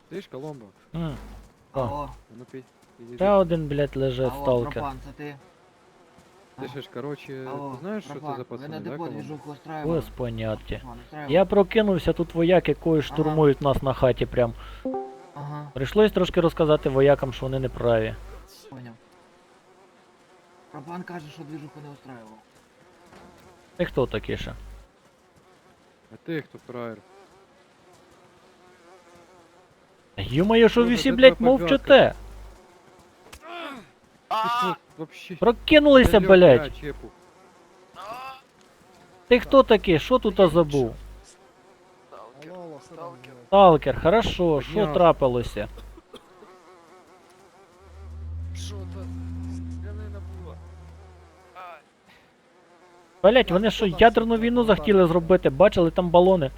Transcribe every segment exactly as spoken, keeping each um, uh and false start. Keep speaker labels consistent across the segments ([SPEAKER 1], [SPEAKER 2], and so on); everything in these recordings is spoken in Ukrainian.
[SPEAKER 1] Ти ж Коломбо?
[SPEAKER 2] М. О,
[SPEAKER 3] Алло,
[SPEAKER 1] Ну пі... підійди.
[SPEAKER 2] ще один, блядь, лежить,
[SPEAKER 3] алло,
[SPEAKER 2] сталкер.
[SPEAKER 3] Пропан, це ти?
[SPEAKER 1] Ти ж, короче,
[SPEAKER 3] Алло,
[SPEAKER 1] ти знаєш, що це
[SPEAKER 3] Пропан,
[SPEAKER 1] за
[SPEAKER 3] ви
[SPEAKER 1] пацани,
[SPEAKER 3] на
[SPEAKER 1] да,
[SPEAKER 3] депо
[SPEAKER 1] Коломбо?
[SPEAKER 3] движуху устраивали?
[SPEAKER 2] Без поняття.
[SPEAKER 3] Пропан, устраивали?
[SPEAKER 2] Я прокинувся, тут вояки кої штурмують нас на хаті прям.
[SPEAKER 3] Ага,
[SPEAKER 2] Прийшлось трошки розказати воякам, що вони не праві.
[SPEAKER 3] понял. Пропан каже, що движуху не устраивал.
[SPEAKER 2] Ти хто такий ще?
[SPEAKER 1] А ти хто фраєр?
[SPEAKER 2] Ё-моё, що ви
[SPEAKER 1] Ну,
[SPEAKER 2] всі,
[SPEAKER 1] це
[SPEAKER 2] блядь,
[SPEAKER 1] твоя
[SPEAKER 2] мовчите?
[SPEAKER 1] Ти що, вообще?
[SPEAKER 2] Прокинулися,
[SPEAKER 1] Алло,
[SPEAKER 2] блядь.
[SPEAKER 1] бля, Чепу.
[SPEAKER 2] Ти хто такий? Що тут забув?
[SPEAKER 4] Алло, алло, що там делаете?
[SPEAKER 2] Сталкер, хорошо, що
[SPEAKER 1] Підняв.
[SPEAKER 2] трапилося?
[SPEAKER 5] Що то? Стрілянина була. Ай.
[SPEAKER 2] Блять, вони що, ядерну війну захотіли зробити, бачили там балони?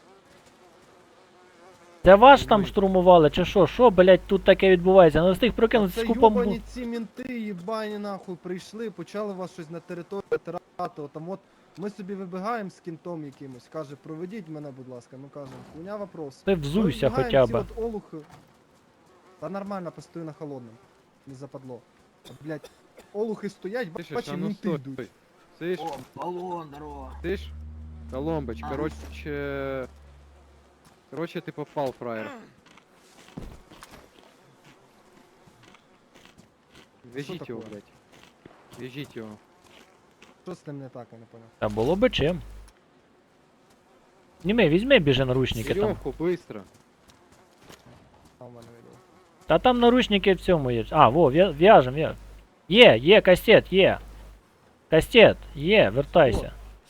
[SPEAKER 2] Це ваш там штурмували, чи що? Що, блять, тут таке відбувається? Не встиг прокинутися
[SPEAKER 4] Це
[SPEAKER 2] з купом.
[SPEAKER 4] йобані ці мінти, їбані нахуй, прийшли, почали вас щось на території тирати, там от ми собі вибігаємо з кінтом якимось, каже, проведіть мене, будь ласка, ми кажемо, хуйня вопрос.
[SPEAKER 2] Ти взуйся
[SPEAKER 4] Вибігаємо,
[SPEAKER 2] хоча
[SPEAKER 4] ці
[SPEAKER 2] б.
[SPEAKER 4] от олухи. Та нормально, постою на холодному, не западло. А, блядь, олухи стоять,
[SPEAKER 1] Ти ж,
[SPEAKER 4] бачиш,
[SPEAKER 1] а ну
[SPEAKER 4] мінти
[SPEAKER 1] стой.
[SPEAKER 4] йдуть.
[SPEAKER 1] Ти ж,
[SPEAKER 3] О, баллон, здорово.
[SPEAKER 1] ти ж? Коломбоч,
[SPEAKER 3] А,
[SPEAKER 1] короче... Короче, ты попал, фраер. Вяжите его,
[SPEAKER 4] такое?
[SPEAKER 1] блядь. Вяжите его.
[SPEAKER 4] Що з ним не так, я не понял.
[SPEAKER 2] Та було би чим. Німи, візьми біжи наручники там.
[SPEAKER 1] Веревку, быстро.
[SPEAKER 4] А в мене відео.
[SPEAKER 2] Та там наручники в цьому є. А, во, в'я- в'яжем, в'яжем. Є, є, кастет, є. Кастет, є, вертайся.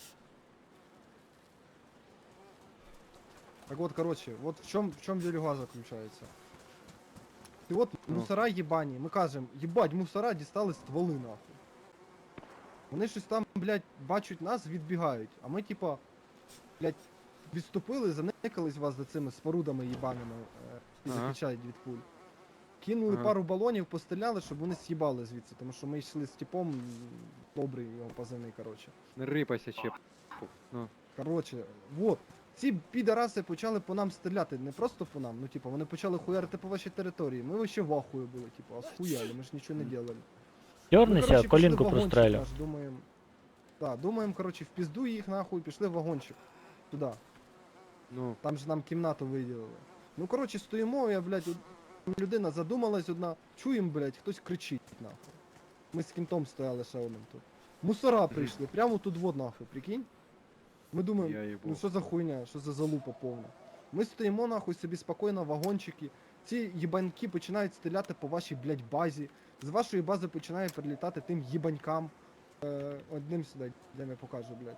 [SPEAKER 4] Так вот, короче, вот в чем, в чем делюга заключается. Ты вот
[SPEAKER 1] Ну.
[SPEAKER 4] мусора ебані, ми кажемо, їбать, мусора дістали стволи нахуй. Вони щось там, блядь, бачать нас, відбігають. А ми типа, блядь, відступили, заникались вас за цими спорудами їбаними е, і
[SPEAKER 1] Ага.
[SPEAKER 4] захищають від пуль. Кинули
[SPEAKER 1] Ага.
[SPEAKER 4] пару балонів, постріляли, щоб вони з'їбали звідси, тому що ми йшли з типом, м, добрий його позивний, короче.
[SPEAKER 1] Не рипайся, чеп. Ну,
[SPEAKER 4] Короче, вот. Ці підараси почали по нам стріляти, не просто по нам, ну типу, вони почали хуярити по вашій території. Ми вообще в ахуї були, типу, а схуяли, ми ж нічого не делали.
[SPEAKER 2] Дернися, колінку прострелю.
[SPEAKER 4] Наш, думаємо. Так, думаємо, короче, в пізду їх нахуй, пішли в вагончик. Туди.
[SPEAKER 1] ну.
[SPEAKER 4] Там же нам кімнату виділили. Ну короче, стоїмо, я, блядь, од- людина задумалась одна, чуємо, блядь, хтось кричить нахуй. Ми з кінтом стояли ще одним тут. Мусора прийшли, прямо тут вот нахуй, прикинь. Ми думаємо,
[SPEAKER 1] Я їбу.
[SPEAKER 4] ну що за хуйня, що за залупа повна. Ми стоїмо нахуй собі спокійно в вагончики. Ці їбаньки починають стріляти по вашій, блядь, базі. З вашої бази починає прилітати тим їбанькам. Е, одним сюди, де я покажу, блядь.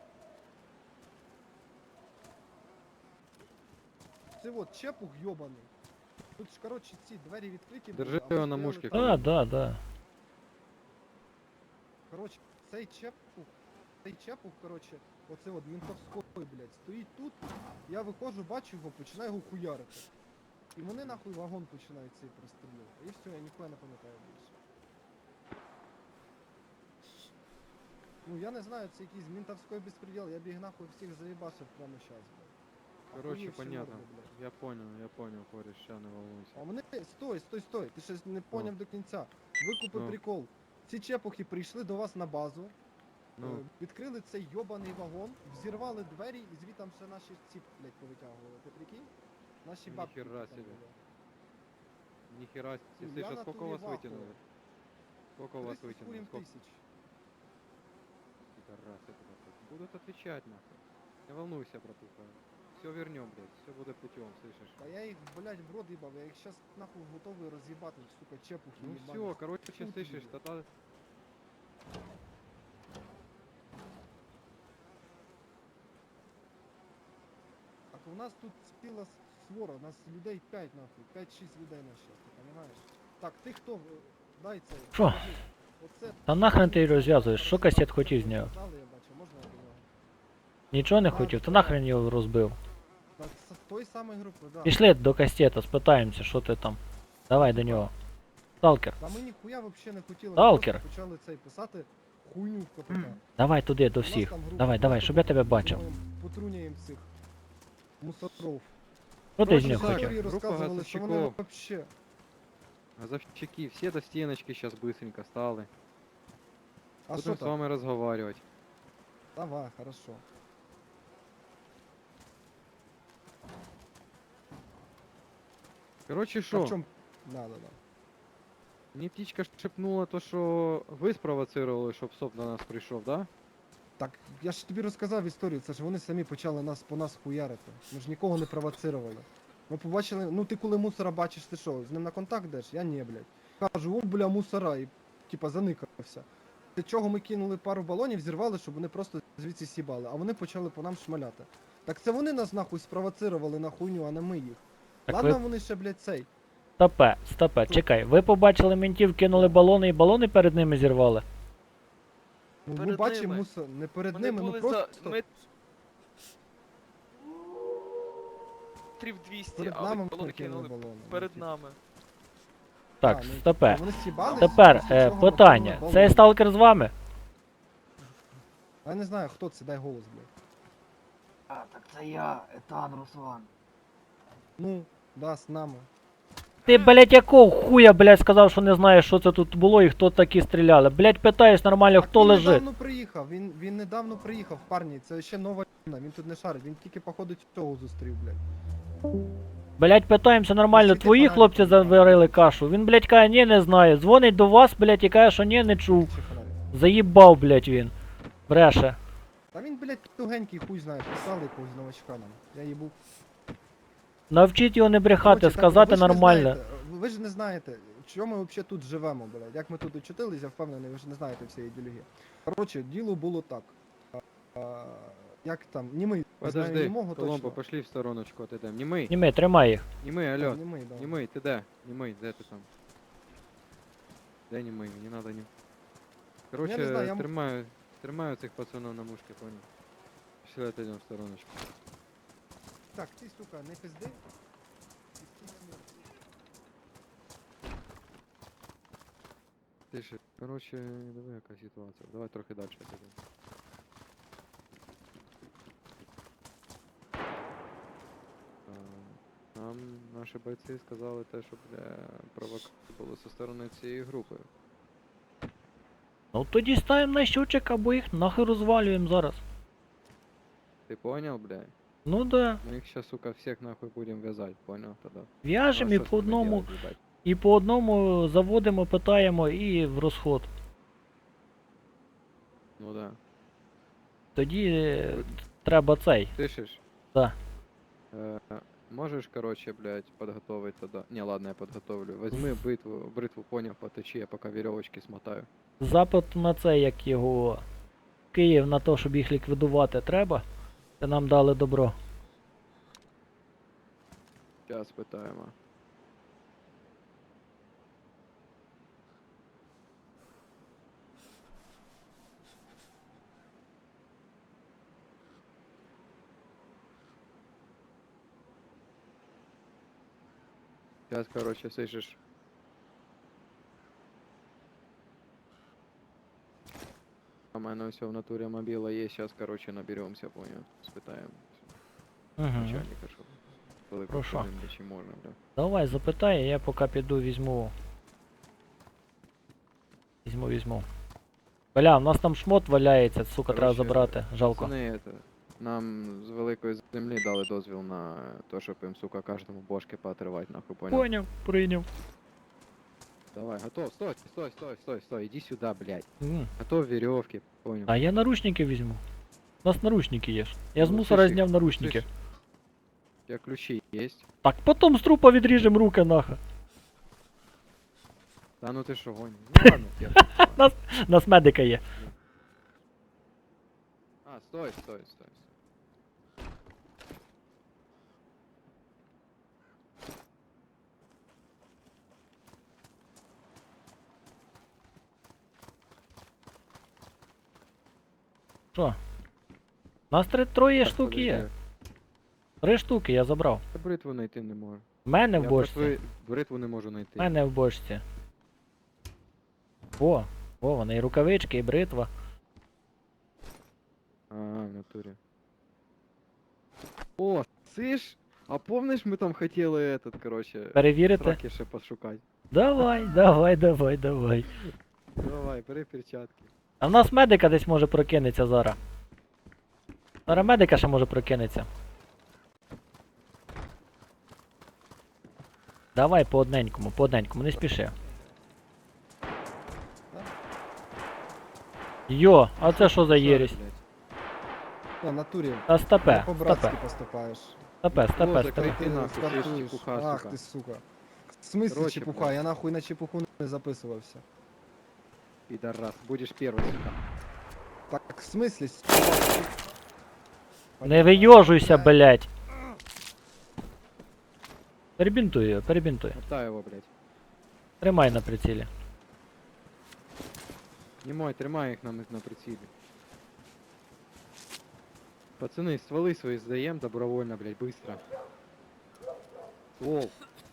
[SPEAKER 4] Це от чепух йобаний. Тут ж, коротше, ці двері відкриті. були,
[SPEAKER 1] Держи
[SPEAKER 4] а ви
[SPEAKER 1] його на
[SPEAKER 4] стояли
[SPEAKER 1] мушці,
[SPEAKER 4] там.
[SPEAKER 2] Да, да, да.
[SPEAKER 4] Коротше, цей чепух, цей чепух, коротше, оце от ментовський, блядь, стоїть тут, я виходжу, бачу його, починаю його хуярити. І вони нахуй вагон починають цей прострілювати. І все, я ніхуя не пам'ятаю більше. Ну я не знаю, це якийсь ментовський безпреділ, я б їх нахуй всіх заїбашив прямо щас, блядь.
[SPEAKER 1] Короче,
[SPEAKER 4] Охуєвші
[SPEAKER 1] понятно.
[SPEAKER 4] морди, блядь.
[SPEAKER 1] Я понял, я понял, кореш, ща не волнуйся.
[SPEAKER 4] А вони, стой, стой, стой, ти щось не поняв до кінця. Викупи
[SPEAKER 1] Ну.
[SPEAKER 4] прикол. Ці чепухи прийшли до вас на базу,
[SPEAKER 1] Ну,
[SPEAKER 4] Е, відкрили цей йобаний вагон, взірвали двері і звітам ще наші ці, блядь, повитягували. Ти прикинь? Наші бабки.
[SPEAKER 1] Ніхера
[SPEAKER 4] там
[SPEAKER 1] собі.
[SPEAKER 4] були.
[SPEAKER 1] нихера, с-
[SPEAKER 4] Ну,
[SPEAKER 1] если
[SPEAKER 4] я
[SPEAKER 1] что,
[SPEAKER 4] на
[SPEAKER 1] сколько
[SPEAKER 4] туре
[SPEAKER 1] у вас
[SPEAKER 4] вахую.
[SPEAKER 1] вытянули? Сколько у вас
[SPEAKER 4] тридцять
[SPEAKER 1] вытянули?
[SPEAKER 4] хуем
[SPEAKER 1] Сколько?
[SPEAKER 4] тисяч.
[SPEAKER 1] Пидорасы, блядь. Будут отвечать, нахуй. Не волнуйся, братуха. Все вернем, блядь. Все будет путем, слышишь?
[SPEAKER 4] А я їх, блядь, в рот їбав, я їх щас нахуй готовий роз'їбати, сука, чепухи
[SPEAKER 1] Ну
[SPEAKER 4] їбані.
[SPEAKER 1] все, короче,
[SPEAKER 4] Тут
[SPEAKER 1] слышишь,
[SPEAKER 4] люди.
[SPEAKER 1] тогда...
[SPEAKER 4] Так у нас тут ціла с- свора, у нас людей п'ять нахуй, п'ять-шість людей на щас, ти розумієш? Так, ти хто? Е, Дай цей.
[SPEAKER 2] Що?
[SPEAKER 4] покажи. Оце...
[SPEAKER 2] Та нахрен ти розв'язуєш, що кастет хотів з нього?
[SPEAKER 4] Знали, я бачу, можна я до нього?
[SPEAKER 2] Нічого не хотів, то нахрен його розбив.
[SPEAKER 4] Так, з той самої групи, да.
[SPEAKER 2] Пішли до кастета, спитаємося, що ти там. Давай до нього. Сталкер,
[SPEAKER 4] Та ми ніхуя вообще не хотіли. ми
[SPEAKER 2] Сталкер.
[SPEAKER 4] просто почали цей писати хуйню в КПК.
[SPEAKER 2] давай туди до
[SPEAKER 4] У нас
[SPEAKER 2] всіх.
[SPEAKER 4] там група
[SPEAKER 2] Давай, давай,
[SPEAKER 4] просто
[SPEAKER 2] щоб я тебе
[SPEAKER 4] буде,
[SPEAKER 2] бачив.
[SPEAKER 4] думаємо, Потрунюємо цих мусоров.
[SPEAKER 2] Що ти з
[SPEAKER 4] Короче,
[SPEAKER 2] них
[SPEAKER 1] так,
[SPEAKER 2] хочеш?
[SPEAKER 4] історії
[SPEAKER 1] група
[SPEAKER 4] розказували, що вони
[SPEAKER 1] газовщиков.
[SPEAKER 4] вообще...
[SPEAKER 1] Газовщики, все до стеночки сейчас быстренько стали.
[SPEAKER 4] А що
[SPEAKER 1] Будем с
[SPEAKER 4] там?
[SPEAKER 1] вами разговаривать.
[SPEAKER 4] Давай, хорошо.
[SPEAKER 1] Короче,
[SPEAKER 4] А в
[SPEAKER 1] что?
[SPEAKER 4] чому? Да, да, да.
[SPEAKER 1] Мне птичка шепнула то, что вы спровоцировали, щоб СОП до нас прийшов, да?
[SPEAKER 4] Так, я ж тобі розказав історію, це ж вони самі почали нас по нас хуярити. Ми ж нікого не провоцировали. Ми побачили, ну ти коли мусора бачиш, ти що, з ним на контакт йдеш? Я ні, блядь. Кажу, о, бля, мусора, і типа заникався. Для чого ми кинули пару балонів, зірвали, щоб вони просто звідси сібали, а вони почали по нам шмаляти. Так це вони нас нахуй спровоцировали на хуйню, а не ми їх.
[SPEAKER 2] Так
[SPEAKER 4] Ладно,
[SPEAKER 2] ви-
[SPEAKER 4] вони ще, блядь, цей.
[SPEAKER 2] Стопе, стопе, чекай. Ви побачили ментів, кинули балони і балони перед ними зірвали?
[SPEAKER 4] Ну, ми
[SPEAKER 5] Перед
[SPEAKER 4] бачимо
[SPEAKER 5] ними.
[SPEAKER 4] мусор, не перед
[SPEAKER 5] Вони
[SPEAKER 4] ними, ну
[SPEAKER 5] були
[SPEAKER 4] просто
[SPEAKER 5] за... Ми... Трів двісті,
[SPEAKER 4] перед
[SPEAKER 5] а ви
[SPEAKER 4] нами
[SPEAKER 5] балони
[SPEAKER 4] ми кинули
[SPEAKER 5] кинули
[SPEAKER 4] балони.
[SPEAKER 5] перед
[SPEAKER 4] Ну,
[SPEAKER 5] нами.
[SPEAKER 2] Так,
[SPEAKER 4] А, ну,
[SPEAKER 2] стопе.
[SPEAKER 4] Вони сібали,
[SPEAKER 2] Тепер
[SPEAKER 4] після
[SPEAKER 2] е,
[SPEAKER 4] чого ми
[SPEAKER 2] питання.
[SPEAKER 4] кинули
[SPEAKER 2] Цей
[SPEAKER 4] балони.
[SPEAKER 2] сталкер з вами?
[SPEAKER 4] Я не знаю, хто це, дай голос, блядь.
[SPEAKER 3] А, так це я, Етан Руслан.
[SPEAKER 4] Ну, да, з нами.
[SPEAKER 2] Ти, блять, якого хуя, блять, сказав, що не знаєш, що це тут було і хто такі стріляли. Блять, питаєш нормально,
[SPEAKER 4] Так
[SPEAKER 2] хто
[SPEAKER 4] він
[SPEAKER 2] лежить.
[SPEAKER 4] недавно приїхав, він, він недавно приїхав, парні, це ще нова людина, він тут не шарить, він тільки походу цього зустрів, блядь.
[SPEAKER 2] Блять, питаємося нормально,
[SPEAKER 4] Скільки
[SPEAKER 2] твої
[SPEAKER 4] фонариків
[SPEAKER 2] хлопці
[SPEAKER 4] немає?
[SPEAKER 2] заварили кашу. Він, блять, каже, ні, не знає. Дзвонить до вас, блять, і каже, що ні, не чув.
[SPEAKER 4] Чи фонарик?
[SPEAKER 2] Заїбав, блять, він. Бреше.
[SPEAKER 4] Та він, блядь, тугенький, хуй знає, писали якогось новачка нам. Я їбу.
[SPEAKER 2] Навчіть його не брехати,
[SPEAKER 4] Короче, так,
[SPEAKER 2] сказати
[SPEAKER 4] ви ж не
[SPEAKER 2] нормально.
[SPEAKER 4] знаєте, Ви ж не знаєте, чому ми взагалі тут живемо, блядь. Як ми тут очутились, я впевнений, ви ж не знаєте всієї ідеології. Коротше, діло було так. А, а, як там, німий, знаю
[SPEAKER 1] Подожди,
[SPEAKER 4] німого
[SPEAKER 1] Коломбо,
[SPEAKER 4] точно.
[SPEAKER 1] пошли в стороночку, отойдем. Німий,
[SPEAKER 2] Німи, тримай їх.
[SPEAKER 1] німий,
[SPEAKER 4] А,
[SPEAKER 1] алло.
[SPEAKER 4] німий, да.
[SPEAKER 1] Німий, ти де? Німий, де ти там? Де німий? Мені надо нім. Короче,
[SPEAKER 4] Ну, знаю, я м-
[SPEAKER 1] тримаю, тримаю цих пацанов на мушке, понял? Пішли отойдем в стороночку.
[SPEAKER 4] Так, ти, сука, не пизди.
[SPEAKER 1] Тише. Короче, давай яка ситуація. Давай трохи далі підемо. А, Нам наші бойці сказали те, що бля, провокації були зі сторони цієї групи.
[SPEAKER 2] Ну тоді ставимо на щучок або їх нахуй розвалюємо зараз.
[SPEAKER 1] Ти понял, бля?
[SPEAKER 2] Ну да.
[SPEAKER 1] Мы их сейчас, сука, всех нахуй будем вязать, понял тогда?
[SPEAKER 2] В'яжемо
[SPEAKER 1] Ну,
[SPEAKER 2] і
[SPEAKER 1] а що
[SPEAKER 2] по
[SPEAKER 1] з ними
[SPEAKER 2] одному,
[SPEAKER 1] делать, їбать?
[SPEAKER 2] і по одному заводимо, питаємо і в розход.
[SPEAKER 1] Ну да.
[SPEAKER 2] Тоді е, треба цей.
[SPEAKER 1] Слышишь?
[SPEAKER 2] Да.
[SPEAKER 1] Э, можешь, короче, блядь, подготовить тогда? Не, ладно, я подготовлю. Возьми бритву, бритву, понял, поточи, я пока веревочки смотаю.
[SPEAKER 2] Запит на це, як його Київ на те, щоб їх ліквідувати, треба. Це нам дали добро.
[SPEAKER 1] Сейчас питаємо. Сейчас, короче, слышишь? А у мене все в натуре мобила есть, сейчас, короче, наберемся, понял? Спитаем
[SPEAKER 2] Угу.
[SPEAKER 1] начальника, щоб велику
[SPEAKER 2] Хорошо.
[SPEAKER 1] хвилину, чи можна, бля.
[SPEAKER 2] Давай, запитай, я поки піду візьму. Візьму, візьму. Бля, у нас там шмот валяється, сука, треба
[SPEAKER 1] Короче,
[SPEAKER 2] забрати. Жалко.
[SPEAKER 1] Пацани, это, нам з великої землі дали дозвіл на то, щоб їм, сука, кожному бошки поотрывать, нахуй, понял?
[SPEAKER 2] Поняв, прийняв.
[SPEAKER 1] Давай, готов, стой, стой, стой, стой, стой, иди сюда, блядь.
[SPEAKER 2] М.
[SPEAKER 1] Готов веревки, понял?
[SPEAKER 2] А я наручники візьму. У нас наручники є ж. Я з
[SPEAKER 1] Ну,
[SPEAKER 2] мусора
[SPEAKER 1] слышь,
[SPEAKER 2] зняв наручники.
[SPEAKER 1] слышь, У тебя ключи есть?
[SPEAKER 2] Так, потім з трупа відріжем руки нахуй.
[SPEAKER 1] Да ну ты шо, гонишь? Ну ладно, я.
[SPEAKER 2] У нас медика є.
[SPEAKER 1] А, стой, стой, стой. стой.
[SPEAKER 2] Що? У нас три троє
[SPEAKER 1] Так,
[SPEAKER 2] штук є.
[SPEAKER 1] подожди.
[SPEAKER 2] Три штуки я забрав.
[SPEAKER 1] Я бритву знайти не можу.
[SPEAKER 2] В мене в
[SPEAKER 1] Я
[SPEAKER 2] бочці.
[SPEAKER 1] бритви- бритву не можу
[SPEAKER 2] В
[SPEAKER 1] знайти.
[SPEAKER 2] мене в бочці. О, о, вони і рукавички, і бритва.
[SPEAKER 1] А, в натурі. О, слышь? А помниш, ми там хотіли этот, короче,
[SPEAKER 2] Перевірити?
[SPEAKER 1] сраки ще пошукати.
[SPEAKER 2] Давай, давай, давай, давай.
[SPEAKER 1] Давай, бери перчатки.
[SPEAKER 2] А в нас медика десь може прокинеться зараз. Зараз медика ще може прокинеться. Давай по одненькому, по одненькому, не спіши. Йо, а це що за єресь?
[SPEAKER 4] На натурі.
[SPEAKER 2] Та стопе,
[SPEAKER 4] По-братськи
[SPEAKER 2] стопе,
[SPEAKER 4] поступаєш.
[SPEAKER 2] стопе, стопе,
[SPEAKER 1] Боже,
[SPEAKER 2] стопе.
[SPEAKER 1] Ти нахуй, ти ж
[SPEAKER 4] стартуєш.
[SPEAKER 1] чепуха,
[SPEAKER 4] Ах
[SPEAKER 1] сука.
[SPEAKER 4] ти сука. В смислі
[SPEAKER 1] Короче,
[SPEAKER 4] чепуха?
[SPEAKER 1] блядь.
[SPEAKER 4] Я нахуй на чепуху не записувався.
[SPEAKER 1] Підарас, будеш перший, сука.
[SPEAKER 4] Так, в смислі?
[SPEAKER 2] Не вийожуйся, блять. Перебінтуй його, перебінтуй.
[SPEAKER 1] Мотай його, блядь.
[SPEAKER 2] Тримай на прицілі.
[SPEAKER 1] Немой, тримай їх нам на прицілі. Пацани, стволи свої здаємо добровольно, блядь, быстро. Ствол.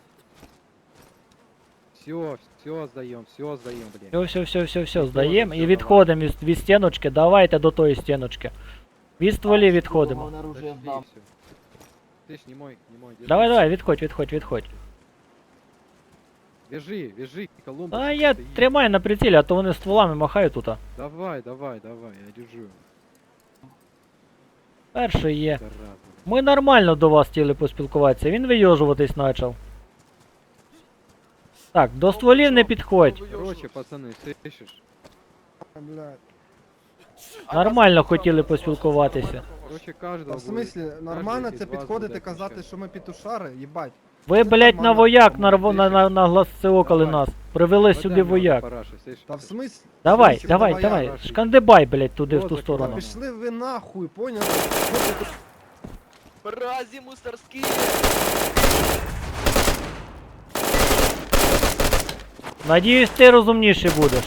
[SPEAKER 1] Все, все здаємо, все здаємо, блядь.
[SPEAKER 2] Все, все, все, все, все,
[SPEAKER 1] Відходимо,
[SPEAKER 2] здаємо і
[SPEAKER 1] всё,
[SPEAKER 2] відходимо від, від стіночки. Давайте до тої стіночки. Від стволів відходимо.
[SPEAKER 3] Головне оружие
[SPEAKER 1] Подожди,
[SPEAKER 3] здам.
[SPEAKER 1] всё. Ты ж не мой, не мой. держи.
[SPEAKER 2] Давай, давай, відходь, відходь, відходь.
[SPEAKER 1] Вяжи, вяжи, Колумбус.
[SPEAKER 2] А я
[SPEAKER 1] стоит.
[SPEAKER 2] тримаю на прицілі, а то вони стволами махають тут.
[SPEAKER 1] Давай, давай, давай, я держу.
[SPEAKER 2] Перший є.
[SPEAKER 1] Зараза.
[SPEAKER 2] Ми нормально до вас хотіли поспілкуватися, він вийожуватись почав. Так, до стволів не підходь.
[SPEAKER 1] Короче, пацаны, слышишь?
[SPEAKER 4] Блядь.
[SPEAKER 2] Нормально хотіли поспілкуватися.
[SPEAKER 1] Короче,
[SPEAKER 4] А
[SPEAKER 1] каждого
[SPEAKER 4] в смислі, нормально
[SPEAKER 1] із
[SPEAKER 4] це
[SPEAKER 1] вас
[SPEAKER 4] підходити
[SPEAKER 1] буде
[SPEAKER 4] казати,
[SPEAKER 1] отвечать.
[SPEAKER 4] що ми петушари, їбать.
[SPEAKER 2] Ви,
[SPEAKER 4] Це
[SPEAKER 2] блять, на
[SPEAKER 4] нормально,
[SPEAKER 2] вояк на,
[SPEAKER 4] по-моєму,
[SPEAKER 2] на, на, на глаз околи
[SPEAKER 1] Давай.
[SPEAKER 2] нас. Привели
[SPEAKER 1] Подай
[SPEAKER 2] сюди
[SPEAKER 1] мне
[SPEAKER 2] вояк.
[SPEAKER 1] параши, слышишь?
[SPEAKER 4] Та в смислі?
[SPEAKER 2] Давай,
[SPEAKER 4] Слухай,
[SPEAKER 2] давай,
[SPEAKER 4] давай,
[SPEAKER 2] давай.
[SPEAKER 1] Раши.
[SPEAKER 2] Шкандибай, блять, туди в
[SPEAKER 1] Вот
[SPEAKER 2] ту
[SPEAKER 1] закривай.
[SPEAKER 2] сторону.
[SPEAKER 4] Пішли ви нахуй, поняли?
[SPEAKER 5] Мрази мусорские!
[SPEAKER 2] Надіюсь, ти розумніший будеш.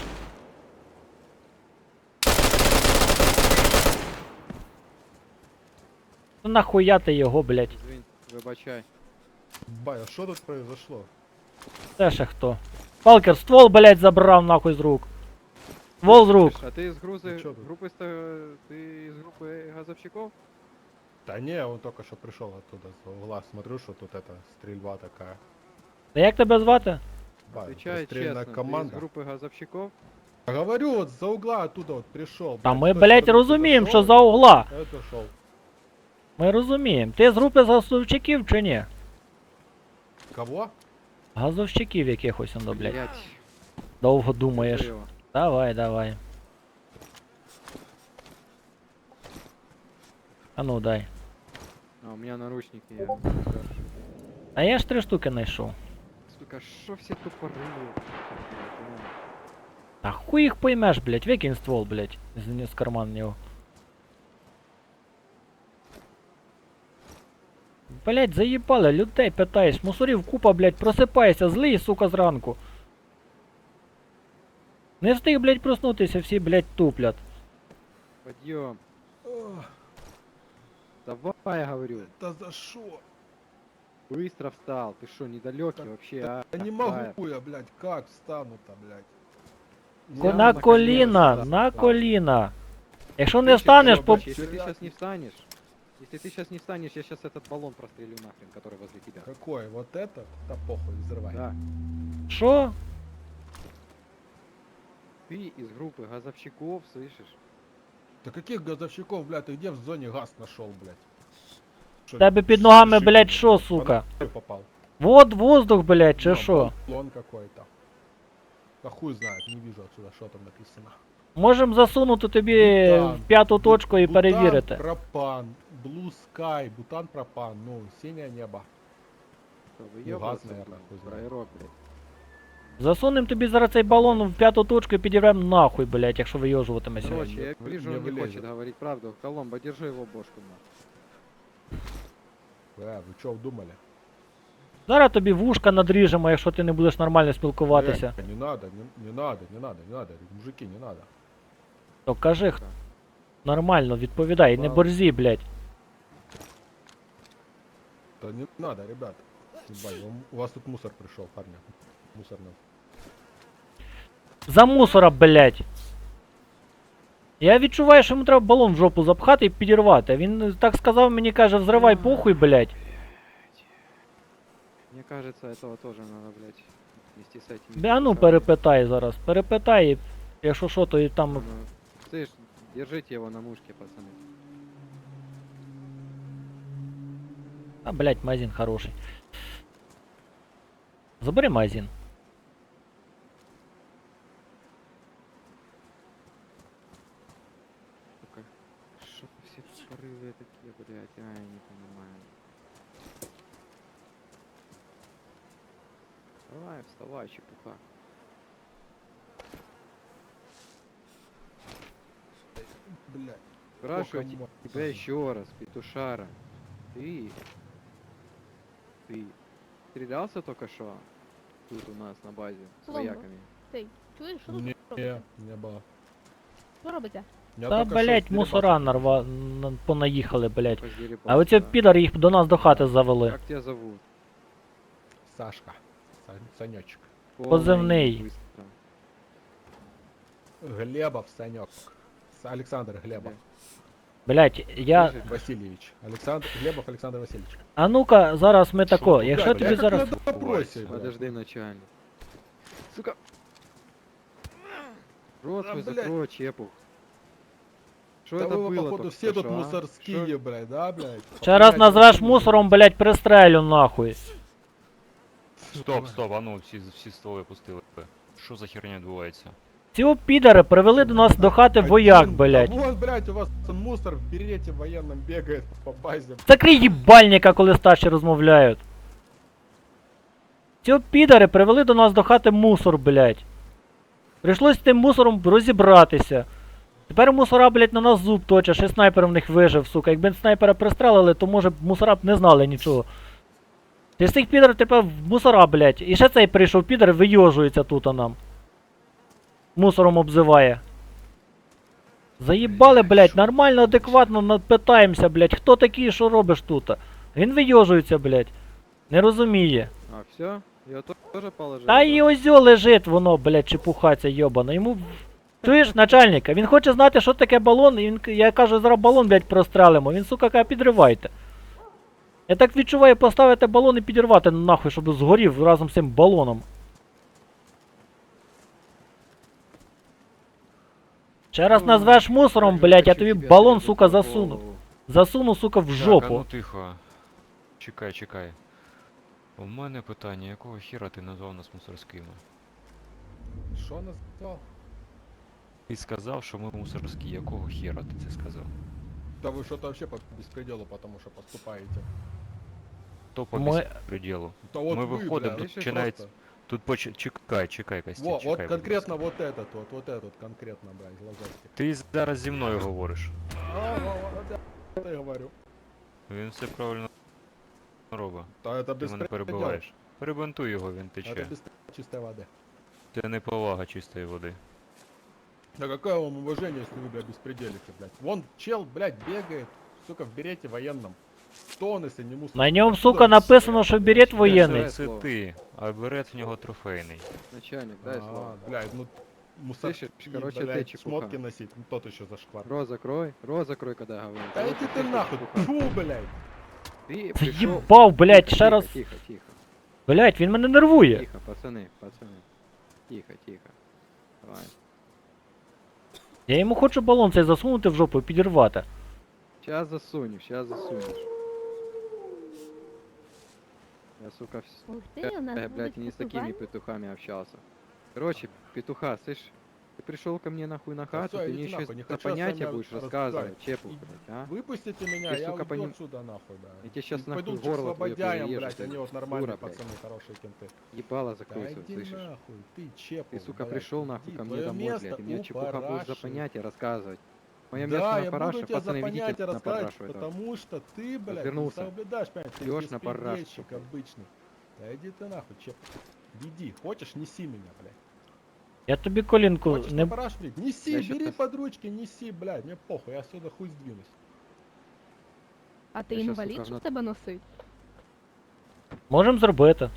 [SPEAKER 2] Ну нахуя ти його, блять?
[SPEAKER 1] Извини, вибачай.
[SPEAKER 6] Бая, что тут произошло?
[SPEAKER 2] Це ще хто? Палкер, ствол, блять, забрав нахуй з рук. Ствол з рук.
[SPEAKER 1] Слышь, а ты из грузы,
[SPEAKER 6] Ну чё тут?
[SPEAKER 1] группы, ста- ты из группы газовщиков?
[SPEAKER 6] Да не, он только что пришел оттуда, с угла. Смотрю, что тут это стрельба такая.
[SPEAKER 2] Та як тебе звати?
[SPEAKER 6] Бая,
[SPEAKER 1] Отвечай
[SPEAKER 6] стрельная
[SPEAKER 1] честно, ты из
[SPEAKER 6] команда.
[SPEAKER 1] группы газовщиков?
[SPEAKER 6] Я говорю, вот за угла оттуда вот пришел.
[SPEAKER 2] Та ми, блять, розуміємо, що за угла.
[SPEAKER 6] Это шел.
[SPEAKER 2] Ми розуміємо. Ти з групи газовщиків чи ні?
[SPEAKER 6] Кого?
[SPEAKER 2] Газовщиків якихось, ну, блять.
[SPEAKER 1] Блядь,
[SPEAKER 2] Довго думаєш.
[SPEAKER 1] держи его.
[SPEAKER 2] Давай, давай. А ну дай.
[SPEAKER 1] А, у меня наручники, я...
[SPEAKER 2] А я ж три штуки знайшов.
[SPEAKER 1] Сука, шо все тупорылые?
[SPEAKER 2] А хуй їх поймеш, блять, викинь ствол, блять, з, з карман його. Блять, заїбали, людей питаєш, мусорів купа, блять, просипайся, злий, сука, зранку. Не встиг, блять, проснутися, всі, блять, туплять.
[SPEAKER 1] Подъем. Давай, я говорю.
[SPEAKER 6] Да за что?
[SPEAKER 1] Быстро встал. Ты что, недалекий
[SPEAKER 6] Так,
[SPEAKER 1] вообще, а?
[SPEAKER 6] Да не
[SPEAKER 1] Давай.
[SPEAKER 6] могу я, блядь, как встану-то, блядь?
[SPEAKER 2] Ко-
[SPEAKER 1] Я
[SPEAKER 2] на
[SPEAKER 1] на
[SPEAKER 2] коліна,
[SPEAKER 1] коліна
[SPEAKER 2] на
[SPEAKER 1] встав.
[SPEAKER 2] коліна. Якщо не
[SPEAKER 1] Слышишь,
[SPEAKER 2] встанеш, по...
[SPEAKER 1] Робочий, Если ты сейчас не встанешь, если ты сейчас не встанешь, я сейчас этот баллон прострелю нахрен, который возле тебя.
[SPEAKER 6] Какой? Вот это? Да похуй, взрывай.
[SPEAKER 1] Да.
[SPEAKER 2] Що?
[SPEAKER 1] Ты из группы газовщиков, слышишь?
[SPEAKER 6] Да каких газовщиков, блядь, ты где в зоне газ нашел, блядь? Что,
[SPEAKER 2] Тебе під ногами,
[SPEAKER 6] шишки,
[SPEAKER 2] блядь, що, сука?
[SPEAKER 6] Под попал.
[SPEAKER 2] Вот воздух, блять, чи
[SPEAKER 6] Ну,
[SPEAKER 2] що?
[SPEAKER 6] баллон какой-то. Да хуй знает, не вижу отсюда, что там написано.
[SPEAKER 2] Можем засунути тобі
[SPEAKER 6] Бутан.
[SPEAKER 2] в п'яту точку і
[SPEAKER 6] Бутан,
[SPEAKER 2] перевірити.
[SPEAKER 6] пропан, Blue Sky, бутан, пропан, ну, синее небо.
[SPEAKER 1] Что,
[SPEAKER 6] Ну,
[SPEAKER 1] выебываться,
[SPEAKER 6] газ, наверное, хуй
[SPEAKER 1] блядь,
[SPEAKER 6] знает.
[SPEAKER 1] фраерок, блядь.
[SPEAKER 2] Засунем тобі зараз цей балон в п'яту точку і підірвем нахуй, блять, якщо вийожуватимеся.
[SPEAKER 1] Короче,
[SPEAKER 6] не-
[SPEAKER 1] я
[SPEAKER 6] не
[SPEAKER 1] вижу, он не
[SPEAKER 6] вылезет.
[SPEAKER 1] хочет говорить правду. Коломбо, держи его бошку, на.
[SPEAKER 6] Э, вы что думали?
[SPEAKER 2] Зараз тобі вушка надріжемо, якщо ти не будеш нормально спілкуватися.
[SPEAKER 6] Э, не надо, не, не надо, не надо, не надо, мужики, не надо.
[SPEAKER 2] То кажи х- нормально, відповідай, не
[SPEAKER 1] Ладно.
[SPEAKER 2] борзі, блять.
[SPEAKER 6] Да не надо, ребят. Ебать, вам- у вас тут мусор пришел, парня. Мусорный.
[SPEAKER 2] За мусора, блять. Я відчуваю, що йому треба балон в жопу запхати і підірвати. Він так сказав, мені каже, взривай похуй, блять.
[SPEAKER 1] Мне кажется, этого тоже надо, блядь, вместе с этим.
[SPEAKER 2] Бля, а ну перепитай зараз. Перепитай, і якщо що, то і там.
[SPEAKER 1] Ну, слышь, держите его на мушке, пацаны.
[SPEAKER 2] А, блядь, магазин хороший. Забери магазин.
[SPEAKER 1] Сука, что все порывы такие, блядь, а, я не понимаю. Давай, вставай, чепуха.
[SPEAKER 6] Блядь.
[SPEAKER 1] Спрашиваю
[SPEAKER 6] Сколько мо-
[SPEAKER 1] тебя еще раз, петушара. Ты... Ты стрелялся только что? Тут у нас на базе с
[SPEAKER 7] Слава.
[SPEAKER 1] вояками.
[SPEAKER 7] Ти чуєш, що тут
[SPEAKER 6] Не,
[SPEAKER 7] робиться?
[SPEAKER 6] не было.
[SPEAKER 7] Що робиться?
[SPEAKER 6] Я
[SPEAKER 2] Та,
[SPEAKER 6] только что
[SPEAKER 2] блядь,
[SPEAKER 6] с
[SPEAKER 2] мусора
[SPEAKER 6] Дерибасом
[SPEAKER 2] нарва... на- понаїхали, блядь.
[SPEAKER 1] Позеребался,
[SPEAKER 2] А оці
[SPEAKER 1] да.
[SPEAKER 2] підари їх до нас до хати завели.
[SPEAKER 1] Как тебя зовут?
[SPEAKER 6] Сашка. Са- Санечек.
[SPEAKER 1] Полное
[SPEAKER 2] Позывный.
[SPEAKER 1] имя быстро.
[SPEAKER 6] Глебов Санек. С- Александр Глебов.
[SPEAKER 2] Блядь, я.
[SPEAKER 1] Слышишь?
[SPEAKER 6] Васильевич. Александр Глебов Александр Васильевич.
[SPEAKER 2] А ну-ка, зараз ми тако.
[SPEAKER 8] тут,
[SPEAKER 2] Якщо
[SPEAKER 6] Блядь,
[SPEAKER 2] тобі
[SPEAKER 6] я как
[SPEAKER 2] зараз.
[SPEAKER 6] на допросе, блядь.
[SPEAKER 1] Подожди, начальник. Сука! Рот
[SPEAKER 6] Да,
[SPEAKER 1] свой
[SPEAKER 6] блядь.
[SPEAKER 1] закрой, чепух. Что
[SPEAKER 6] Да
[SPEAKER 1] это
[SPEAKER 6] вы,
[SPEAKER 1] было
[SPEAKER 6] походу,
[SPEAKER 1] только
[SPEAKER 6] все
[SPEAKER 1] что,
[SPEAKER 6] тут
[SPEAKER 1] а?
[SPEAKER 6] мусорские,
[SPEAKER 1] Шо?
[SPEAKER 6] блядь, да, блядь?
[SPEAKER 2] Ще раз
[SPEAKER 6] Блядь,
[SPEAKER 2] назвеш
[SPEAKER 6] вообще
[SPEAKER 2] мусором, блядь, пристрелю нахуй.
[SPEAKER 8] Стоп, стоп, а ну всі, всі стволи пустили. Що за херня відбувається?
[SPEAKER 2] Ці підари привели до нас до хати
[SPEAKER 6] Один,
[SPEAKER 2] вояк,
[SPEAKER 6] да
[SPEAKER 2] блядь.
[SPEAKER 6] вон, блядь, у вас мусор в берете военном бегает по базе.
[SPEAKER 2] Закрий їбальника, коли старші розмовляють. Ці підари привели до нас до хати мусор, блядь. Прийшлось з тим мусором розібратися. Тепер мусора, блядь, на нас зуб точать, ще снайпер в них вижив, сука. Якби снайпера пристрелили, то може б мусора б не знали нічого. Ти з цих підарів тепер в мусора, блядь. І ще цей прийшов підар, вийожується тут а нам. Мусором обзиває. Заїбали, блядь, нормально, адекватно на- питаємося, блядь, хто такий, що робиш тут? Він вийожується, блядь. Не розуміє.
[SPEAKER 1] А, все? Я то- тоже положил?
[SPEAKER 2] Та
[SPEAKER 1] да?
[SPEAKER 2] і озьо лежить воно, блядь, чепухаться йобана. Йому. в- Чуєш, начальника, він хоче знати, що таке балон, і він, к- я кажу, зараз балон, блядь, прострелимо. Він, сука, каже, підривайте. Я так відчуваю поставити балон і підірвати нахуй, щоб згорів разом з цим балоном. Ще раз
[SPEAKER 1] Ой,
[SPEAKER 2] назвеш мусором,
[SPEAKER 1] я
[SPEAKER 2] блядь, я
[SPEAKER 1] хочу
[SPEAKER 2] тобі
[SPEAKER 1] тебе
[SPEAKER 2] балон,
[SPEAKER 1] отрезать
[SPEAKER 2] сука,
[SPEAKER 1] на
[SPEAKER 2] засуну.
[SPEAKER 1] голову.
[SPEAKER 2] Засуну, сука, в
[SPEAKER 8] Так, а
[SPEAKER 2] жопу.
[SPEAKER 8] ну тихо. Чекай, чекай. У мене питання, якого хіра ти назвав нас мусорськими?
[SPEAKER 6] Что назвал?
[SPEAKER 8] Ти сказав, що ми мусорські, якого хіра ти це сказав?
[SPEAKER 6] Да вы что-то вообще по беспределу, потому что поступаете.
[SPEAKER 8] То по
[SPEAKER 2] Ми-
[SPEAKER 8] безпреділу.
[SPEAKER 6] Да вот
[SPEAKER 8] Мы
[SPEAKER 6] вы,
[SPEAKER 8] выходим,
[SPEAKER 6] блядь,
[SPEAKER 8] тут
[SPEAKER 6] просто.
[SPEAKER 8] починается- Тут поч... чекай, чекай, Костя,
[SPEAKER 6] Во,
[SPEAKER 8] чекай,
[SPEAKER 6] вот
[SPEAKER 8] будь
[SPEAKER 6] конкретно
[SPEAKER 8] ласка.
[SPEAKER 6] вот этот вот, вот этот конкретно, блядь, глазастик.
[SPEAKER 8] Ти зараз зі мною говориш.
[SPEAKER 6] А, во, во, да, это я говорю.
[SPEAKER 8] Він все правильно робить.
[SPEAKER 6] Да это
[SPEAKER 8] Ти мене
[SPEAKER 6] беспредел.
[SPEAKER 8] перебиваєш. Перебинтуй його, він
[SPEAKER 6] Это
[SPEAKER 8] тече.
[SPEAKER 6] без чистой воды.
[SPEAKER 8] Це не повага чистої води.
[SPEAKER 6] Да какое вам уважение, если вы, блядь, беспределите, блядь. Вон чел, блядь, бегает, сука, в берете военном. Кто он, если не мусор?
[SPEAKER 2] На ньому,
[SPEAKER 6] Откуда
[SPEAKER 2] сука,
[SPEAKER 6] он,
[SPEAKER 2] написано,
[SPEAKER 6] блядь,
[SPEAKER 2] що
[SPEAKER 6] блядь?
[SPEAKER 2] берет
[SPEAKER 1] Це
[SPEAKER 2] воєнний.
[SPEAKER 1] все.
[SPEAKER 8] Це
[SPEAKER 1] слово.
[SPEAKER 8] ти, а берет в нього трофейний.
[SPEAKER 1] Начальник, дай слово.
[SPEAKER 6] А, блядь, ну мусор.
[SPEAKER 1] Слышишь, короче, ты
[SPEAKER 6] блядь,
[SPEAKER 1] чепуха.
[SPEAKER 6] шмотки носить, ну тот еще зашквар.
[SPEAKER 1] Рот закрой, рот закрой, когда говорю.
[SPEAKER 6] Да иди ты нахуй, фу, блядь.
[SPEAKER 1] Ты пришел...
[SPEAKER 2] Заїбав, блядь,
[SPEAKER 1] Тихо,
[SPEAKER 2] ще
[SPEAKER 1] тихо,
[SPEAKER 2] раз.
[SPEAKER 1] Тихо, тихо,
[SPEAKER 2] Блядь, він мене нервує.
[SPEAKER 1] тихо, пацаны, пацаны. Тихо, тихо. Давай.
[SPEAKER 2] Я йому хочу балон цей засунути в жопу і підірвати.
[SPEAKER 1] Сейчас засунешь, сейчас засунешь. Я, сука, вс...
[SPEAKER 7] Ух ти,
[SPEAKER 1] э,
[SPEAKER 7] у нас
[SPEAKER 1] э, блядь,
[SPEAKER 7] будуть
[SPEAKER 1] не с такими
[SPEAKER 7] поховання.
[SPEAKER 1] петухами общался. Короче, петуха, слышь, ты пришел ко мне нахуй на хату,
[SPEAKER 6] всё,
[SPEAKER 1] ты мне
[SPEAKER 6] идите
[SPEAKER 1] еще
[SPEAKER 6] нахуй, не
[SPEAKER 1] за
[SPEAKER 6] хочу я с
[SPEAKER 1] понятия
[SPEAKER 6] вами
[SPEAKER 1] будешь
[SPEAKER 6] разговаривать.
[SPEAKER 1] рассказывать, чепух,
[SPEAKER 6] И-
[SPEAKER 1] блядь, а?
[SPEAKER 6] Выпустите меня,
[SPEAKER 1] Ты,
[SPEAKER 6] я
[SPEAKER 1] сука,
[SPEAKER 6] уйду
[SPEAKER 1] поним-
[SPEAKER 6] отсюда нахуй, да.
[SPEAKER 1] Я тебе щас
[SPEAKER 6] И
[SPEAKER 1] нахуй
[SPEAKER 6] пойду к
[SPEAKER 1] горло твоё
[SPEAKER 6] слободяям,
[SPEAKER 1] перережу,
[SPEAKER 6] блядь,
[SPEAKER 1] ты
[SPEAKER 6] они вот нормальные
[SPEAKER 1] дура, блядь.
[SPEAKER 6] пацаны, хорошие кенты.
[SPEAKER 1] Ебало
[SPEAKER 6] Да
[SPEAKER 1] закрой свой,
[SPEAKER 6] иди
[SPEAKER 1] слышишь?
[SPEAKER 6] нахуй, ты чепу,
[SPEAKER 1] Ты, сука,
[SPEAKER 6] блядь,
[SPEAKER 1] пришел нахуй
[SPEAKER 6] иди,
[SPEAKER 1] ко мне
[SPEAKER 6] твоё
[SPEAKER 1] домой,
[SPEAKER 6] место
[SPEAKER 1] блядь, и мне
[SPEAKER 6] у
[SPEAKER 1] чепуха будешь за
[SPEAKER 6] параши.
[SPEAKER 1] понятия рассказывать. Мое
[SPEAKER 6] Да,
[SPEAKER 1] место
[SPEAKER 6] я
[SPEAKER 1] на
[SPEAKER 6] буду
[SPEAKER 1] параше,
[SPEAKER 6] тебе за
[SPEAKER 1] пацаны,
[SPEAKER 6] понятия
[SPEAKER 1] ведите на
[SPEAKER 6] рассказывать,
[SPEAKER 1] парашу этого.
[SPEAKER 6] потому что ты, блядь,
[SPEAKER 1] Развернулся.
[SPEAKER 6] не соблюдаешь, понимаешь, ты
[SPEAKER 1] Идёшь на парашу,
[SPEAKER 6] беспредельщик
[SPEAKER 1] блядь.
[SPEAKER 6] обычный. Да иди ты нахуй, чеп. Веди, хочешь, неси меня, блядь.
[SPEAKER 2] Я тобі колінку
[SPEAKER 6] Хочешь
[SPEAKER 2] не.
[SPEAKER 6] на параш, блядь, неси,
[SPEAKER 1] Я
[SPEAKER 6] бери
[SPEAKER 1] щас-
[SPEAKER 6] под ручки, неси, блядь, мне похуй, я отсюда хуй сдвинусь.
[SPEAKER 7] А ти
[SPEAKER 1] Я щас,
[SPEAKER 7] інвалід,
[SPEAKER 1] сука,
[SPEAKER 7] щоб
[SPEAKER 1] на-
[SPEAKER 7] тебе носить?
[SPEAKER 2] Можемо зробити.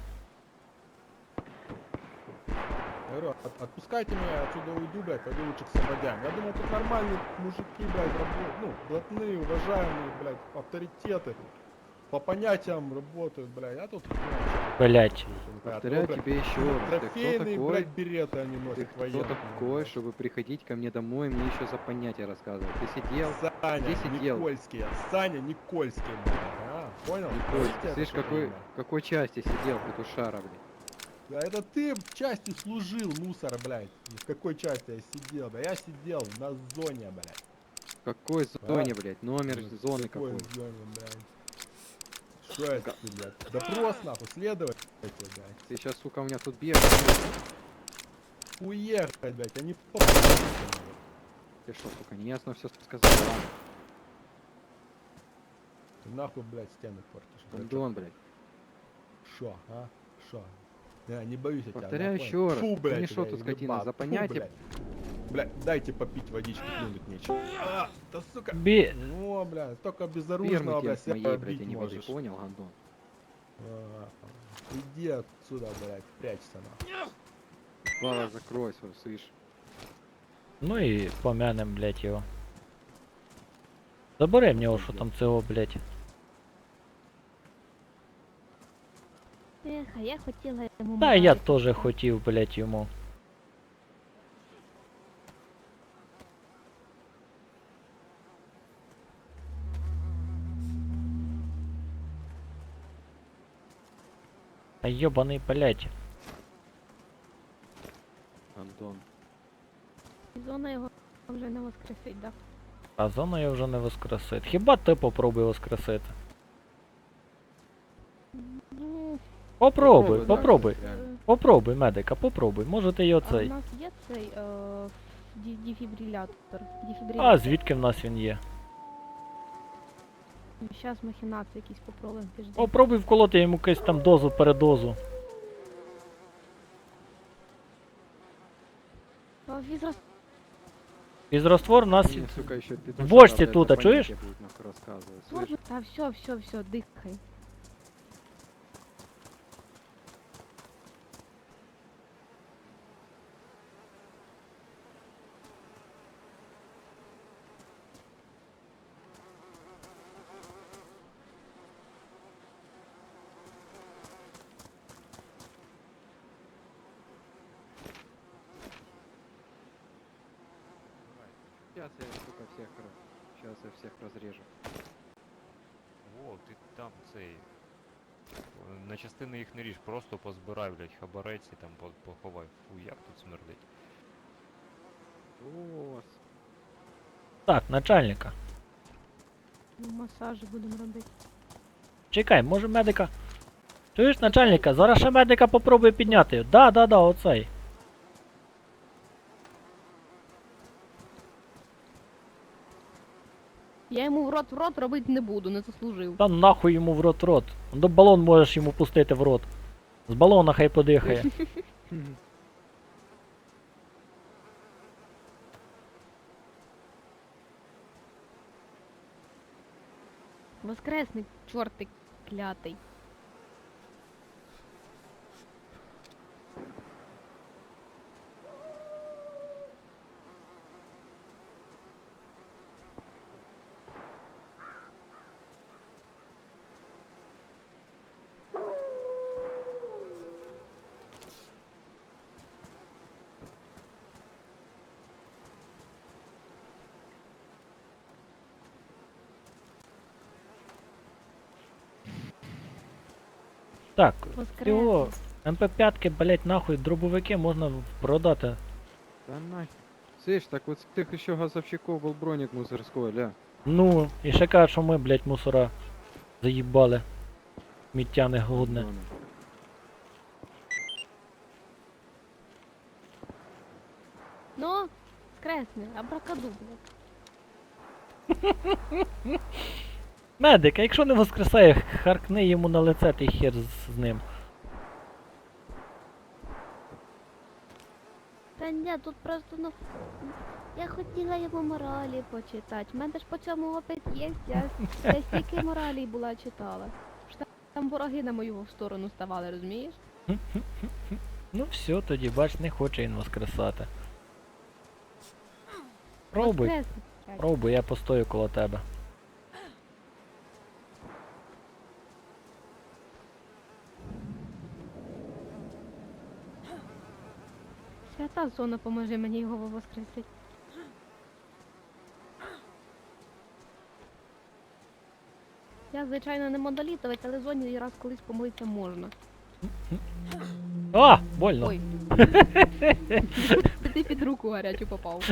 [SPEAKER 6] Я говорю, от- отпускайте меня, я отсюда уйду, блядь, пойду лучше к слободям. Я думал, тут нормальные мужики, блядь, работают, ну, блатные, уважаемые, блядь, авторитеты. По понятиям работают, блядь, а тут... блядь,
[SPEAKER 2] Блять.
[SPEAKER 1] Повторяю
[SPEAKER 6] ну,
[SPEAKER 1] тебе еще раз. Ты кто
[SPEAKER 6] Трофейные,
[SPEAKER 1] такой?
[SPEAKER 6] блядь, береты они
[SPEAKER 1] Ты
[SPEAKER 6] носят
[SPEAKER 1] кто
[SPEAKER 6] военные.
[SPEAKER 1] такой, чтобы приходить ко мне домой и мне еще за понятия рассказывать? Ты сидел?
[SPEAKER 6] Саня
[SPEAKER 1] Где сидел?
[SPEAKER 6] Никольский, Саня Никольский, блядь, а? Понял?
[SPEAKER 1] Ой,
[SPEAKER 6] Скажите это
[SPEAKER 1] слышь,
[SPEAKER 6] всё
[SPEAKER 1] какой,
[SPEAKER 6] время.
[SPEAKER 1] в какой части сидел петушара, блядь?
[SPEAKER 6] Да это ты в части служил, мусор, блядь. В какой части я сидел, да? Я сидел на зоне, блядь.
[SPEAKER 1] В какой зоне, блядь? Номер
[SPEAKER 6] Ну,
[SPEAKER 1] зоны
[SPEAKER 6] в какой
[SPEAKER 1] какой?
[SPEAKER 6] зоне, блядь? Что это, ты, блядь? Допрос, нахуй, следователь, блядь.
[SPEAKER 1] Ты сейчас, сука, у меня тут бегаешь.
[SPEAKER 6] Уехать, блядь, они по...
[SPEAKER 1] Ты что, сука, неясно все сказал, ладно?
[SPEAKER 6] Ты нахуй, блядь, стены портишь. блядь.
[SPEAKER 1] Андон, блядь.
[SPEAKER 6] Шо, а? Шо? Я не боюсь я тебя.
[SPEAKER 1] Повторяю
[SPEAKER 6] да,
[SPEAKER 1] еще
[SPEAKER 6] понял?
[SPEAKER 1] раз.
[SPEAKER 6] Фу,
[SPEAKER 1] Ты
[SPEAKER 6] блядь,
[SPEAKER 1] не шо
[SPEAKER 6] тебя,
[SPEAKER 1] тут, скотина,
[SPEAKER 6] ебать.
[SPEAKER 1] за
[SPEAKER 6] Фу,
[SPEAKER 1] понятие?
[SPEAKER 6] блядь. Блядь, дайте попить водички, плюнуть нечего. А, да сука.
[SPEAKER 2] Бі...
[SPEAKER 6] Ну, блядь, только
[SPEAKER 1] Фермы
[SPEAKER 6] безоружного,
[SPEAKER 1] тебе
[SPEAKER 6] блядь,
[SPEAKER 1] с
[SPEAKER 6] себя
[SPEAKER 1] моей, блядь,
[SPEAKER 6] бить
[SPEAKER 1] а не воды,
[SPEAKER 6] можешь.
[SPEAKER 1] понял, Андон?
[SPEAKER 6] А, Иди отсюда, блядь, прячься, нахуй.
[SPEAKER 1] Слава, закрой свой, слышь.
[SPEAKER 2] Ну і помянем, блять, його. Забери в нього, що там цього, блять.
[SPEAKER 7] Ех, а я хотіла йому
[SPEAKER 2] Та я
[SPEAKER 7] медаль
[SPEAKER 2] теж
[SPEAKER 7] купити.
[SPEAKER 2] хотів, блять, йому. Та йобаний, блять.
[SPEAKER 1] Андон.
[SPEAKER 7] І зона його вже не воскресить, да?
[SPEAKER 2] А зона я вже не воскресить. Хіба ти попробуй воскресити?
[SPEAKER 7] Ну,
[SPEAKER 2] Попробуй,
[SPEAKER 1] да,
[SPEAKER 2] попробуй.
[SPEAKER 1] реально.
[SPEAKER 2] Попробуй, медика, попробуй. Може ти й
[SPEAKER 7] а в
[SPEAKER 2] оцей.
[SPEAKER 7] нас є цей е, ді- дефібрилятор.
[SPEAKER 2] А
[SPEAKER 7] Дефібрилятор.
[SPEAKER 2] звідки в нас він є?
[SPEAKER 7] Зараз махінації якісь попробуємо, підожди.
[SPEAKER 2] Попробуй вколоти йому якусь там дозу, передозу.
[SPEAKER 7] А, візрос...
[SPEAKER 2] Фізроствор в нас...
[SPEAKER 1] Мне, сука, еще петушара,
[SPEAKER 2] бочці
[SPEAKER 1] блядь,
[SPEAKER 2] тут,
[SPEAKER 1] за
[SPEAKER 2] а чуєш?
[SPEAKER 1] понятия будет, нахуй, рассказывать, слышь?
[SPEAKER 7] Та все, все, все, дихай.
[SPEAKER 1] Сейчас я, сука, всех, сейчас я всех разрежу.
[SPEAKER 8] О, ти там цей. о, На частини їх не ріж, просто позбирай, блядь, хабарець і там по- поховай. Фу, як тут смердить.
[SPEAKER 1] О,
[SPEAKER 2] Так, начальника.
[SPEAKER 7] Ну, масажі будемо робити.
[SPEAKER 2] Чекай, може медика. Чуєш начальника? Зараз ще медика попробує підняти. Да, да, да, оцей.
[SPEAKER 7] Я йому в рот в рот робити не буду, не заслужив.
[SPEAKER 2] Та нахуй йому в рот рот. До балон можеш йому пустити в рот. З балона хай подихає.
[SPEAKER 7] Воскресник, чортик клятий.
[SPEAKER 2] Так, цього
[SPEAKER 7] Воскресник.
[SPEAKER 2] ем пе п'ять, блять, нахуй, дробовики можна продати.
[SPEAKER 1] да нахер. Слышь, так вот с тех еще газовщиков был броник мусорской, ля.
[SPEAKER 2] Ну, і ще кажуть, що ми, блять, мусора заїбали. Сміття негодне.
[SPEAKER 1] Андона.
[SPEAKER 7] Ну, воскресни, абракадубра.
[SPEAKER 2] Медик, а якщо не воскресає, харкни йому на лице, ти хер з, з ним.
[SPEAKER 7] Та ні, тут просто, ну, я хотіла йому моралі почитати. У мене ж по цьому опит є, я, я стільки моралі була читала. Що там- там вороги на мою сторону ставали, розумієш?
[SPEAKER 2] Ну все, тоді бач, не хоче він воскресати. Пробуй,
[SPEAKER 7] Воскресник.
[SPEAKER 2] пробуй, я постою коло тебе.
[SPEAKER 7] та зона, поможи мені його воскресити. Я, звичайно, не модолітовець, але зоні раз колись помилитися можна.
[SPEAKER 2] А, больно.
[SPEAKER 7] Ой. Ти під руку гарячу попав.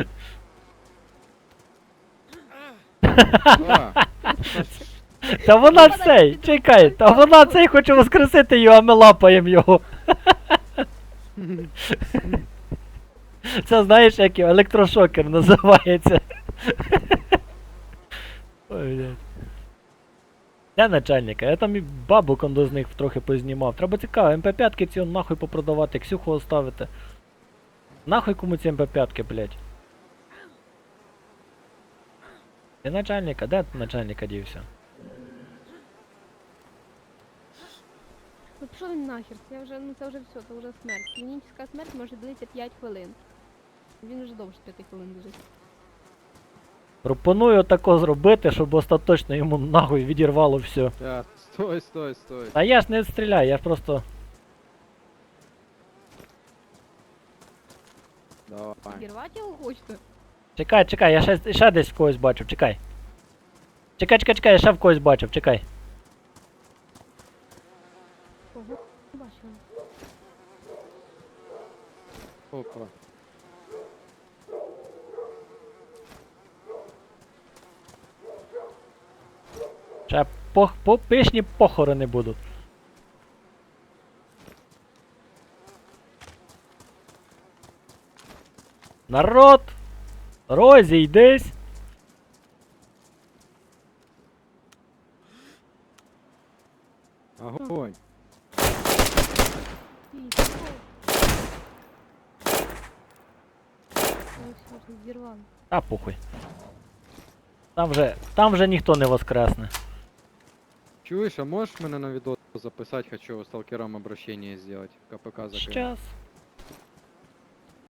[SPEAKER 1] А,
[SPEAKER 2] Та вона цей, чекай, та вона цей хоче воскресити його, а ми лапаємо його. Це знаєш, як його, електрошокер називається. Ой, блядь. Де начальника? Я там і бабу кондо з них трохи познімав. Треба цікаво, ем пе п'ять ці он нахуй попродавати, Ксюху оставити. Нахуй кому ці ем пе п'ять, блядь? Де начальника? Де начальника дівся?
[SPEAKER 7] Ну пішов він нахер, я вже, ну це вже все, це вже смерть. Клінічна смерть може длитися п'ять хвилин. Він вже довше п'яти хвилин лежить.
[SPEAKER 2] Пропоную тако зробити, щоб остаточно йому нахуй відірвало все.
[SPEAKER 1] я, стой, стой, стой.
[SPEAKER 2] А я ж не стріляю, я ж просто...
[SPEAKER 1] Давай.
[SPEAKER 7] Підірвати його хочете?
[SPEAKER 2] Чекай, чекай, я ще, ще десь в когось бачив, чекай. Чекай, чекай, чекай, я ще в когось бачив, чекай.
[SPEAKER 7] Ого, бачила.
[SPEAKER 1] Опа.
[SPEAKER 2] Ще пох, по, пишні похорони будуть. Народ! Розійдись!
[SPEAKER 1] Огонь.
[SPEAKER 7] Ій, пішов. Ой, все, зірвали.
[SPEAKER 2] А похуй. Там вже, там вже ніхто не воскресне.
[SPEAKER 1] Чуешь, а можешь меня на видос записать? Хочу сталкерам обращение сделать. КПК закрыть.
[SPEAKER 2] Щас.